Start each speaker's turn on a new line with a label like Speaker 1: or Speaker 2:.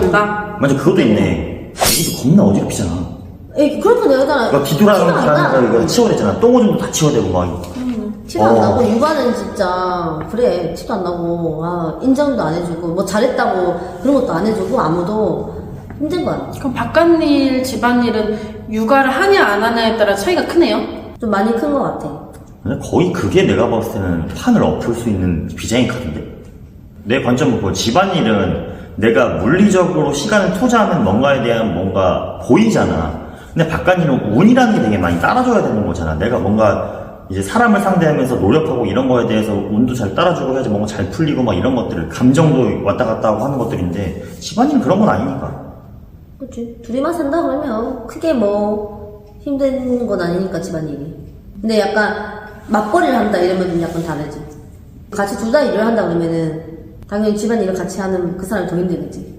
Speaker 1: 한다?
Speaker 2: 맞아, 그것도 있네. 여기도 겁나 어지럽히잖아.
Speaker 1: 에이, 그렇게 내가
Speaker 2: 막 뒤돌아가는 사람들 이거 치워대잖아. 똥오줌도 다 치워대고 막.
Speaker 1: 티도 안 나고, 육아는 진짜, 그래, 티도 안 나고, 인정도 안 해주고, 뭐 잘했다고 그런 것도 안 해주고, 아무도 힘든 거야.
Speaker 3: 그럼 바깥일, 집안일은 육아를 하냐 안 하냐에 따라 차이가 크네요?
Speaker 1: 좀 많이 큰 것 같아.
Speaker 2: 근데 거의 그게 내가 봤을 때는 판을 엎을 수 있는 비장의 카드인데? 내 관점은 그 집안일은 내가 물리적으로 시간을 투자하면 뭔가에 대한 뭔가 보이잖아. 근데 바깥일은 운이라는 게 되게 많이 따라줘야 되는 거잖아. 내가 뭔가 이제 사람을 상대하면서 노력하고 이런 거에 대해서 운도 잘 따라주고 해야지 뭔가 잘 풀리고 막 이런 것들을 감정도 왔다 갔다 하고 하는 것들인데 집안일은 그런 건 아니니까.
Speaker 1: 그치. 둘이만 산다 그러면 크게 뭐 힘든 건 아니니까 집안일이. 근데 약간 맞벌이를 한다 이러면 좀 약간 다르지. 같이 둘 다 일을 한다 그러면은 당연히 집안일을 같이 하는 그 사람이 더 힘들겠지.